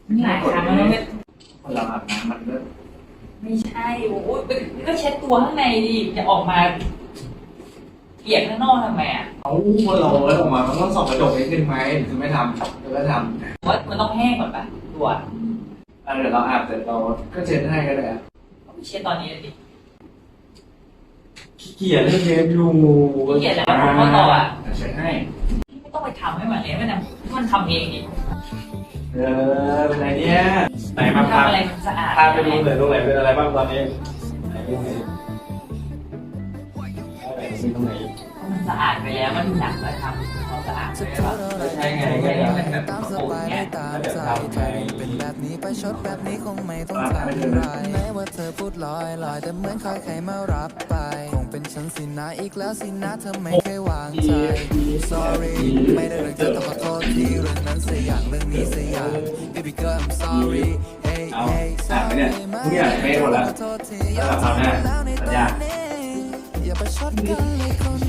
หลายครั้งแล้วไม่คนเราอาบน้ำมันก็ไม่ใช่โอ้ยก็เช็ดตัวข้างในดิจะออกมาเปียกข้างนอกทำไมอ่ะเอาคนเราออกมามันต้องส่องกระจกนิดนึงไหมถึงไม่ทำแล้วก็ทำว่ามันต้องแห้งก่อนปะตัวเดี๋ยวเราอาบเสร็จเราก็เช็ดให้ก็ได้เอาไปเช็ดตอนนี้เลยดิขี้เกียจเล่นเกมอยู่ขี้เกียจแล้วผมก็ต่ออ่ะเช็ดให้ไม่ต้องไปทำให้มันเลยมันทำเองดิเป็นไรเนี่ยไหนมาพาทำอะไรมันสะอาดพาไปดูหน่อยตรงไหนเป็นอะไรบ้างตอนนี้ไหนตรงไหนตรงไหนมันสะอาดไปแล้วมันหนักแล้วทำความสะอาดไปแล้วใช่ไงไม่ก็ได้เดี๋ยวมันแบบโอ้ยเนี่ยเดี๋ยวทำไปเป็นแบบนี้ไปชดแบบนี้คงไม่ต้องทำอะไรแม้ว่าเธอพูดลอยลอยแต่เหมือนคอยใครมารับไปคงเป็นฉันสินะอีกแล้วสินะเธอไม่เคยวางใจ sorry ไม่ได้เรื่องเธอต้องขอโทษทีเรื่องนั้นเสียอย่างเรื่องนี้เสียอย่าง baby girl I'm sorry hey เอา hey อ่านไปเนี่ยทุกอย่างไม่หมดแล้วแล้วเราทำหน้าสัญญาอย่าไปชดกันเลยคน